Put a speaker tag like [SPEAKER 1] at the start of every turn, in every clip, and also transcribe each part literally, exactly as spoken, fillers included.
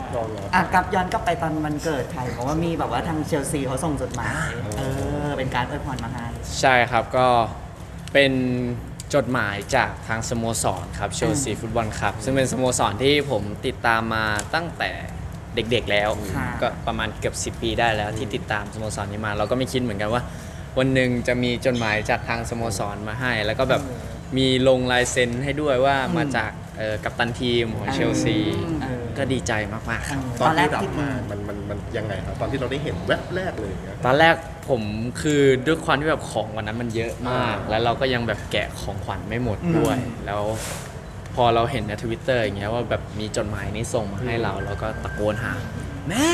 [SPEAKER 1] รอรอ
[SPEAKER 2] อ่ะกลับย้อนกลับไปตอนวันเกิดไทยเพราะว่ามีแบบว่าทางเชลซีเขาส่งจดหมายเออเป็นการอวยพรมาให้
[SPEAKER 3] ใช่ครับก็เป็นจดหมายจากทางสโมสรครับเชลซีฟุตบอลคลับซึ่งเป็นสโมสรที่ผมติดตามมาตั้งแต่เด็กๆแล้ว
[SPEAKER 2] ค่ะ
[SPEAKER 3] ก็ประมาณเกือบสิบปีได้แล้วที่ติดตามสโมสรนี้มา เราก็ไม่คิดเหมือนกันว่า วันหนึ่งจะมีจดหมายจากทางสโมสรมาให้ แล้วก็แบบมีลงลายเซ็นให้ด้วยว่ามาจากเอ่อกัปตันทีมของเชลซี
[SPEAKER 2] เออ
[SPEAKER 3] ก็ดีใจมากๆครับ
[SPEAKER 1] ตอนที่รับมามันมันมันยังไงครับตอนที่เราได้เห็นแวบแรกเลยอย่างเงี้ย
[SPEAKER 3] ตอนแรกผมคือด้วยความที่แบบของวันนั้นมันเยอะมาก แล้วเราก็ยังแบบแกะของขวัญไม่หมดด้วย แล้วพอเราเห็นในทวิตเตอร์อย่างเงี้ยว่าแบบมีจดหมายนี้ส่งมาให้เราแล้วก็ตะโกนหา แม่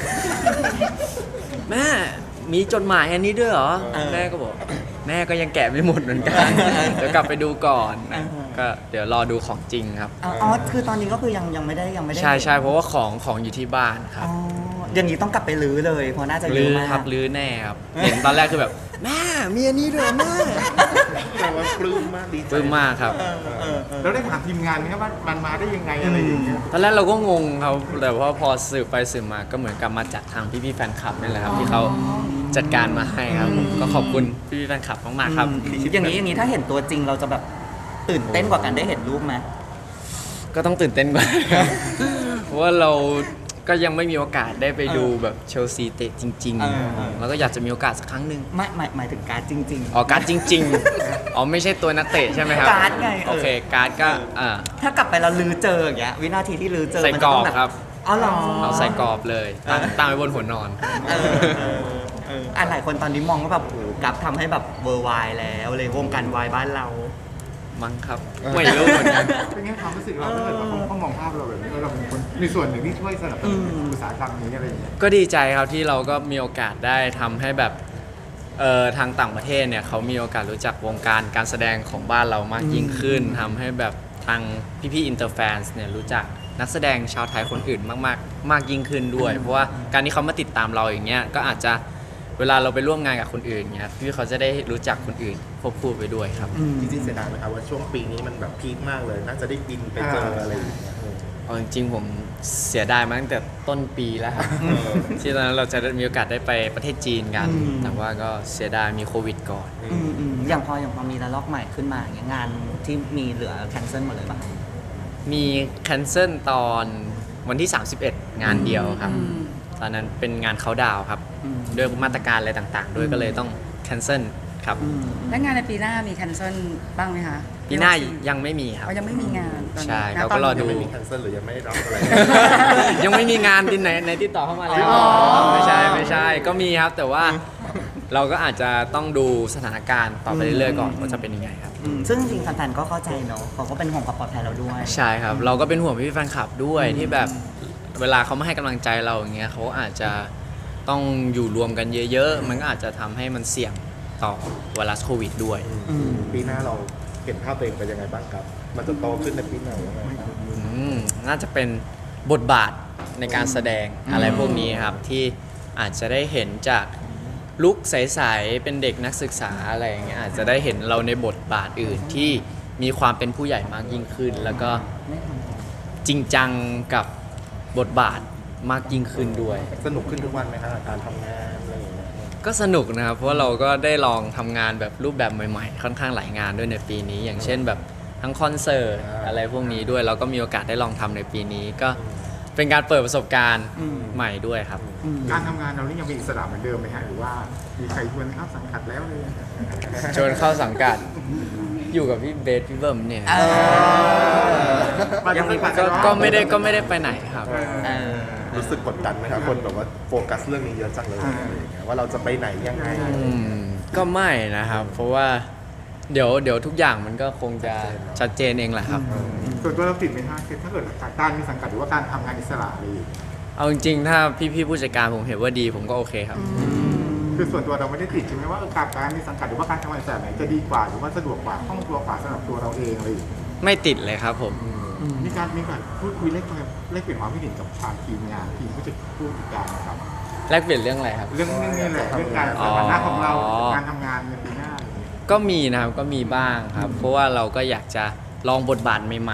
[SPEAKER 3] แม่มีจดหมายอันนี้ด้วยเหรอ
[SPEAKER 2] เออ
[SPEAKER 3] แม่ก็บอก แม่ก็ยังแกะไม่หมดเหมือนกันเดี๋ยวกลับไปดูก่อน
[SPEAKER 2] เออ
[SPEAKER 3] ก็เดี๋ยวรอดูของจริงครับ
[SPEAKER 2] อ๋ออ๋อคือตอนนี้ก็คือยังยังไม่ได้ยังไม่ได้
[SPEAKER 3] ใช่ใช่เพราะว่าของของอยู่ที่บ้านครับ
[SPEAKER 2] อ๋ออย่างนี้ต้องกลับไปรื้อเลยเพราะน่าจะเย
[SPEAKER 3] ลื้
[SPEAKER 2] อะ
[SPEAKER 3] อ
[SPEAKER 2] มาก
[SPEAKER 3] ครับลื้อแน่ครับ เห็นตอนแรกคือแบบ แม่มีอันนี้ด้วยเหรอแม่
[SPEAKER 1] แต่ว่าปลื้มมากดีใจ
[SPEAKER 3] ปลื้มมากครับ
[SPEAKER 2] เออเออเออ
[SPEAKER 4] เราได้ถามทีมงานไหมครับว่ามันมาได้ยังไงอะไรอย่างเงี้ย
[SPEAKER 3] ตอนแรกเราก็งงครับแต่ว่าพอสืบไปสืบมาก็เหมือนกับมาจากทางพี่ๆแฟนคลับนี่แหละครับที่เขาจัดการมาให้ครับผมก็ขอบคุณพี่ๆแฟนคลับมากๆครับ
[SPEAKER 2] อย่างนี้อย่างนี้ถ้าเห็นตัวจริงเราจะแบบตื่นเต้นกว่ากันได้เห็นรูปไหม
[SPEAKER 3] ก็ต้องตื่นเต้นกว่า เพราะว่าเราก็ยังไม่มีโอกาสได้ไปดูแบบเชลซีเตะจริง
[SPEAKER 2] เออเออ
[SPEAKER 3] ๆแล้วก็อยากจะมีโอกาสสักครั้งหนึ่ง
[SPEAKER 2] ไม่หมายหมายถึงการดจริง
[SPEAKER 3] อ๋อการ์ดจริง ๆ อ๋อไม่ใช่ตัวนักเตะใช่ไหมครับ
[SPEAKER 2] การ์ดไงเออ
[SPEAKER 3] โอเคการ์ดก็อ่า
[SPEAKER 2] ๆ ถ้ากลับไปเราลือเจออย่างเงี้ยวินาทีที่ลือเจอ
[SPEAKER 3] ใส่
[SPEAKER 2] มัน
[SPEAKER 3] กร
[SPEAKER 2] จะ
[SPEAKER 3] อ
[SPEAKER 2] ต้
[SPEAKER 3] บ
[SPEAKER 2] งแบบ
[SPEAKER 3] ครับ
[SPEAKER 2] อ๋อเหรอ
[SPEAKER 3] เอาใส่กรอบเลยตั้งตั้งไว้บนหัวนอน
[SPEAKER 2] เออเออเอออ่ะหลายคนตอนนี้มองว่าแบบโอ้โหกับทำให้แบบเวอร์ไวแล้วเลยวงการวายบ้านเรา
[SPEAKER 3] มั้งครับไม่รู้เหมือนกัน
[SPEAKER 4] เป็นไงความรู้สึกเราถ้าเกิดว่าเขามองภาพเราแบบนี้ว่าเราเป็นคนในส่วนหนึ่งที่ช่วยสนับสนุน
[SPEAKER 2] อืม
[SPEAKER 4] อุตสาหกรรมนี้อะไรอย่างเงี้ย
[SPEAKER 3] ก็ดีใจครับที่เราก็มีโอกาสได้ทำให้แบบเอ่อทางต่างประเทศเนี่ยเขามีโอกาสรู้จักวงการการแสดงของบ้านเรามากยิ่งขึ้นทำให้แบบทางพี่ๆอินเตอร์แฟนเนี่ยรู้จักนักแสดงชาวไทยคนอื่นมากๆ มากยิ่งขึ้นด้วย เพราะว่าการที่เขามาติดตามเราอย่างเงี้ยก็อาจจะเวลาเราไปร่วมงานกับคนอื่นเงี้ยพี่เขาจะได้รู้จักคนอื่นควบคู่ไปด้วยครับ
[SPEAKER 1] จริงๆเสียดายไหมครับว่าช่วงปีนี้มันแบบพีคมากเลย น่าจะได้บินไปเจออะไรอย่างเงี้ยเออ
[SPEAKER 3] เอาจริงๆผมเสียดายมาตั้งแต่ต้นปีแล้วครับ ที่ตอนนั้นเราจะได้มีโอกาสได้ไปประเทศจีนกัน
[SPEAKER 2] อืม
[SPEAKER 3] แต่ว่าก็เสียดายมีโควิดก่อน
[SPEAKER 2] อืมอืมอย่างพออย่างพอมีระลอกใหม่ขึ้นมาอย่างเงี้ยงานที่มีเหลือแคนเซิลหมดเลยป่ะ
[SPEAKER 3] มีแคนเซิลตอนวันที่ สามสิบเอ็ด งานเดียวครับ
[SPEAKER 2] อืม
[SPEAKER 3] ตอนนั้นเป็นงานเขาดาวน์ครับ
[SPEAKER 2] อืม
[SPEAKER 3] ด้วยมาตรการอะไรต่างๆ ด้วย
[SPEAKER 2] อืม
[SPEAKER 3] ก็เลยต้องแคนเซิลครับ
[SPEAKER 2] อืม
[SPEAKER 5] และงานในปีหน้ามีแคนเซิลบ้างไหมคะ
[SPEAKER 3] ปีหน้ายังไม่มีครับ
[SPEAKER 5] เขายังไม่มีงานตอนนี้
[SPEAKER 3] ใช่
[SPEAKER 5] ณ
[SPEAKER 3] เรา
[SPEAKER 5] ต
[SPEAKER 3] ก็
[SPEAKER 5] น
[SPEAKER 3] รอ
[SPEAKER 5] นี้
[SPEAKER 3] ดู
[SPEAKER 1] ยังไม่มีแคนเซิลหรือยังไม่ได้รับอะไร
[SPEAKER 3] ยังไม่มีงานที่ไหนในที่ต่อเข้ามาแล้ว
[SPEAKER 5] อ๋อ
[SPEAKER 3] ไม่ใช่ไม่ใช่ก็มีครับ แต่ว่าเราก็อาจจะต้องดูสถานการณ์ต่อไปเรื่อยๆก่อนว่าจะเป็นยังไงครับ
[SPEAKER 2] อืมซึ่งจริงๆแฟนๆก็เข้าใจเนอะเขาก็เป็นห่วงความปลอดภัยเราด้วย
[SPEAKER 3] ใช่ครับ เราก็เป็นห่วงพี่ๆแฟนคลับด้วยที่แบบเวลาเขามาให้กำลังใจเราอย่างเงี้ยเขาอาจจะต้องอยู่รวมกันเยอะๆ มันก็อาจจะทำให้มันเสี่ยงต่อไวรัสโควิดด้วย
[SPEAKER 2] อืม
[SPEAKER 1] ปีหน้าเราเห็นภาพตัวเองเป็นยังไงบ้างครับ มันจะโตขึ้นในปีหน้ายังไงครับ
[SPEAKER 3] อืมน่าจะเป็นบทบาทในการแสดงอะไรพวกนี้ครับ ที่อาจจะได้เห็นจากลุคใสๆเป็นเด็กนักศึกษาอะไรอย่างเงี้ยอาจจะได้เห็นเราในบทบาทอื่นที่มีความเป็นผู้ใหญ่มากยิ่งขึ้น แล้วก็จริงจังกับบทบาทมากยิ่งขึ้นด้วย
[SPEAKER 1] สนุกขึ้นทุกวันไหมครับการทำงานอะไรอย่างเงี้ย
[SPEAKER 3] ก็สนุกนะครับ เพราะว่าเราก็ได้ลองทำงานแบบรูปแบบใหม่ๆ ค่อนข้างหลายงานด้วยในปีนี้ อย่างเช่นแบบทั้งคอนเสิร์ตอะไรพวกนี้ด้วยเราก็มีโอกาสได้ลองทำในปีนี้ ก็เป็นการเปิดประสบการณ์
[SPEAKER 2] อืม
[SPEAKER 3] ใหม่ด้วยครับ
[SPEAKER 2] อืม
[SPEAKER 4] การทำงานเรานี่ยังมีอิสระเหมือนเดิมไหมฮะหรือว่ามีใครชวนเข้าสังกัดแล้วเลย
[SPEAKER 3] ชวนเข้าสังกัดอยู่กับพี่เบสพี่เบิ้มเนี่ย
[SPEAKER 2] เออ
[SPEAKER 4] ยังมี
[SPEAKER 3] ก็ก็ไม่ได้ก็ไม่ได้ไปไหนครับ
[SPEAKER 2] เออ
[SPEAKER 1] รู้สึกกดดันไหมครับคนแบบว่าโฟกัสเรื่องนี้เยอะจังเลยอะไรอย่างเงี้ยว่าเราจะไปไหนยังไง
[SPEAKER 3] อืมก็ไม่นะครับ เพราะว่าเดี๋ยวเดี๋ยวทุกอย่างมันก็คงจะชัดเจนเองแหละครับ
[SPEAKER 4] ส่วนตัวเราติดไหมฮะคือถ้าเกิดการมีสังกัดหรือว่าการทำงานอิสระอะไรอย่างเงี้ย
[SPEAKER 3] เอาจริงๆถ้าพี่ๆผู้จัดการผมเห็นว่าดีผมก็โอเคครับ
[SPEAKER 4] คือส่วนตัวเราไม่ได้ติดใช่ไหมว่าเออการมีสังกัดหรือว่าการทำงานอิสระไหนจะดีกว่าหรือว่าสะดวกกว่าคล่องตัวกว่าสำหรับตัวเราเองอะไรอย่างเงี้ย
[SPEAKER 3] ไม่ติดเลยครับผม
[SPEAKER 4] มีการมีการพูดคุยเล็กเล็กเปลี่ยนความคิดเห็นกับทางทีมงานทีมผู้จัดผู้จัดการนะครับ
[SPEAKER 3] แลกเปลี่ยนเรื่องอะไรครับ
[SPEAKER 4] เรื่องนี้นี่แหละเรื่องการสถานะของเราการทำงานในปีหน้าอะไรอย่างเงี้ย
[SPEAKER 3] ก็มีนะครับก็มีบ้างครับ เพราะว่าเราก็อยากจะลองบทบาทใหม่ๆ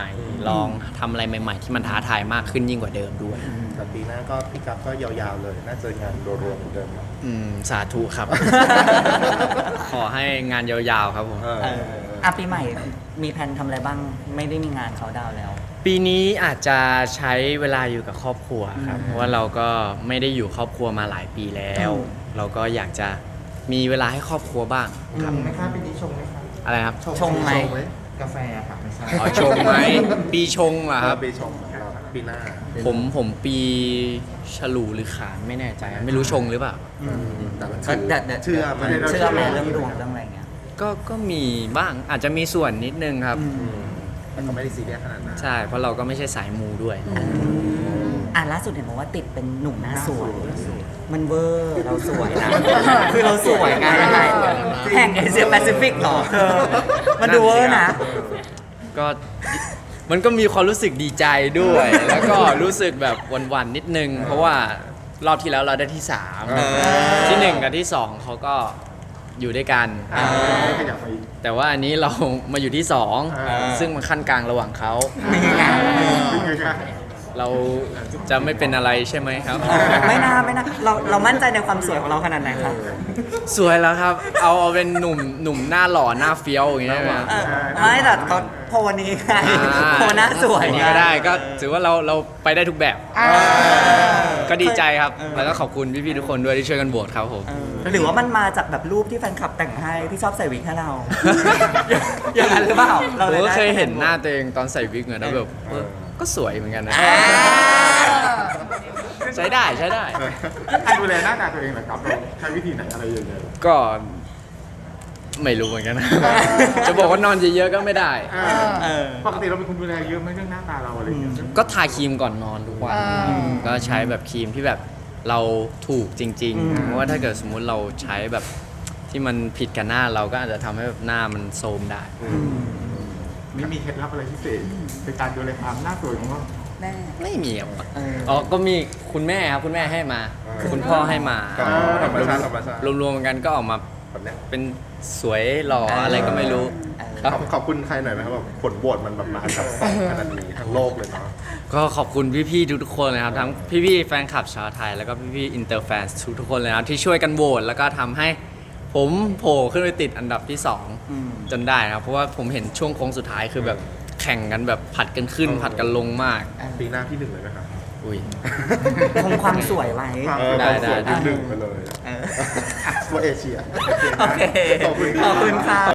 [SPEAKER 3] ลองทำอะไรใหม่ๆ ที่มันท้าทายมากขึ้นยิ่งกว่าเดิมด้วย
[SPEAKER 1] แต่ปีหน้าก็พี่กัฟก็ยาวๆเลย น่าจะงานรวมๆเหมือนเดิมเนาะ
[SPEAKER 3] อืมสาธุครับ ขอให้งานยาวๆครับผม
[SPEAKER 1] เออ
[SPEAKER 2] เอออ่ะปีใหม่มีแผนทำอะไรบ้างไม่ได้มีงานเขาดาวน์แล้ว
[SPEAKER 3] ปีนี้อาจจะใช้เวลาอยู่กับครอบครัวครับ เพราะว่าเราก็ไม่ได้อยู่ครอบครัวมาหลายปีแล้ว เราก็อยากจะมีเวลาให้ครอบครัวบ้างครับ
[SPEAKER 4] ไหมครับปีนี้ชงไหมครับ
[SPEAKER 3] อะไรครับ
[SPEAKER 2] ชงไหม
[SPEAKER 4] กาแฟครับไม่ใช่
[SPEAKER 3] อ๋อชงไหม ปีชงเหรอครับ
[SPEAKER 1] ปีชงเราปีหน้า
[SPEAKER 3] ผมผมปีฉลูหรือขานไม่แน่ใจ ไม่รู้ชงหรือเปล่า
[SPEAKER 1] แต่มัน
[SPEAKER 2] ก็เดี๋ยวดี๋ยว
[SPEAKER 1] เชื่อไหม
[SPEAKER 2] เชื่อไหมเรื่องดวงเรื่องอะไรเงี้ย
[SPEAKER 3] ก็ก็มีบ้างอาจจะมีส่วนนิดนึงครับ
[SPEAKER 1] อืมแต่ก็ไม่ได้ซีเรียสขนาดนั้น
[SPEAKER 3] ใช่ เพราะเราก็ไม่ใช่สายมูด้วย
[SPEAKER 2] อ่ะล่าสุดเห็นบอกว่าติดเป็นหนุ่มหน้าสวย มันเวอร์เราสวยนะ คือเราสวยไงยังไงแห่งเอเชียแปซิฟิกหรอเธอมันดูเวอร์นะ
[SPEAKER 3] ก็มันก็มีความรู้สึกดีใจด้วย แล้วก็รู้สึกแบบหวันๆนิดนึง เพราะว่ารอบที่แล้วเราได้ที่สาม
[SPEAKER 1] เออ
[SPEAKER 3] ที่หนึ่งกับที่สองเขาก็อยู่ด้วยกัน
[SPEAKER 4] ขยับไปอีก
[SPEAKER 3] แต่ว่าอันนี้เรามาอยู่ที่สอง
[SPEAKER 4] เออ
[SPEAKER 3] ซึ่งมันขั้นกลางระหว่างเขา
[SPEAKER 2] นี่ไง
[SPEAKER 4] เป็นไงครับ
[SPEAKER 3] เราจะไม่เป็นอะไรใช่ไหมครับ
[SPEAKER 2] ไม่น่าไม่น่าเราเรามั่นใจในความสวยของเราขนาดไหนครับ
[SPEAKER 3] สวยแล้วครับ เอาเอาเป็นหนุ่มหนุ่มหน้าหล่อหน้าเฟี้ยวอย่างเงี้ยนะ
[SPEAKER 2] เออไม่แต่เขาโพลนี้ไง
[SPEAKER 3] อ่า
[SPEAKER 2] โพลหน้าสวย
[SPEAKER 3] อันนี้ก็ได้ก็ถือว่าเราเราไปได้ทุกแบบ
[SPEAKER 2] เออ
[SPEAKER 3] ก็ดีใจครับ
[SPEAKER 2] เออ
[SPEAKER 3] แล้วก็ขอบคุณพี่ๆทุกคนด้วยที่ช่วยกันโหวตครับผม
[SPEAKER 2] เออหรือว่ามันมาจากแบบรูปที่แฟนคลับแต่งให้ที่ชอบใส่วิกให้เรา อย่างนั้นหรือเปล่าเรา
[SPEAKER 3] ผม
[SPEAKER 2] ล
[SPEAKER 3] ก็
[SPEAKER 2] ได้
[SPEAKER 3] เคยเห็นหน้าตัวเองตอนใส่วิกเหมือนแล้วแบบเออก็สวยเหมือนกันนะ
[SPEAKER 2] อ่า
[SPEAKER 3] ใช้ได้ใช้ได้
[SPEAKER 4] การดูแลหน้าตาตัวเองเหรอครับเราใช้วิธีไหนอะไรยังไง
[SPEAKER 3] ก็ไม่รู้เหมือนกันนะ จะบอกว่านอนเยอะๆก็ไม่ได้
[SPEAKER 2] เออ
[SPEAKER 4] ปกติเราเป็นคนดูแลเยอะไหมเรื่องหน้าตาเราอะไรอย่างเงี้ย
[SPEAKER 3] ก็ทาครีมก่อนนอนทุกวัน ก็ใช้แบบครีมที่แบบเราถูกจริง
[SPEAKER 2] อืม
[SPEAKER 3] ๆ เพราะว่าถ้าเกิดสมมุติเราใช้แบบที่มันผิดกับหน้าเราก็อาจจะทำให้แบบหน้ามันโทรมได้
[SPEAKER 4] มีมีเคล็ดลับอะไรพิเศษในการดูแลความหน้าสวยของเรา
[SPEAKER 5] แม่
[SPEAKER 3] ไม่มีครับ
[SPEAKER 2] เออ
[SPEAKER 3] อ๋อก็มีคุณแม่ครับคุณแม่ให้มา คุณพ่อให้มา
[SPEAKER 1] ก็ธรรมชาติธรรมชาติ
[SPEAKER 3] รวมๆกันก็ออกมา
[SPEAKER 1] แบบเนี้ย
[SPEAKER 3] เป็นสวยหล่ออะไรก็ไม่รู้
[SPEAKER 1] ขอบขอบคุณใครหน่อยไหมครับแบบผลโหวตมันแบบมาอันดับสองขนาดนี้ทั้งโลกเลยเนาะ
[SPEAKER 3] ก็ขอบคุณพี่ๆทุกๆคนเลยครับทั้งพี่ๆแฟนคลับชาวไทยแล้วก็พี่ๆอินเตอร์แฟนทุกๆคนเลยนะครับที่ช่วยกันโหวตแล้วก็ทำให้ผมโผล่ขึ้นไปติดอันดับที่สอง
[SPEAKER 2] อืม
[SPEAKER 3] จนได้นะครับเพราะว่าผมเห็นช่วงโค้งสุดท้ายคือแบบแข่งกันแบบผัดกันขึ้น ผัดกันลงมาก
[SPEAKER 1] ปีหน้าที่หนึ่งเลยไหมครับ
[SPEAKER 3] อุ้ย
[SPEAKER 2] คงความสวยไว้
[SPEAKER 1] เออ
[SPEAKER 3] ได้
[SPEAKER 1] ความสวย
[SPEAKER 3] ได้
[SPEAKER 1] ที่หนึ่งไปเลย
[SPEAKER 2] เออ
[SPEAKER 1] ทั่วเอเชีย
[SPEAKER 2] โอเค
[SPEAKER 1] ขอบคุณ
[SPEAKER 2] ขอบคุณค่ะ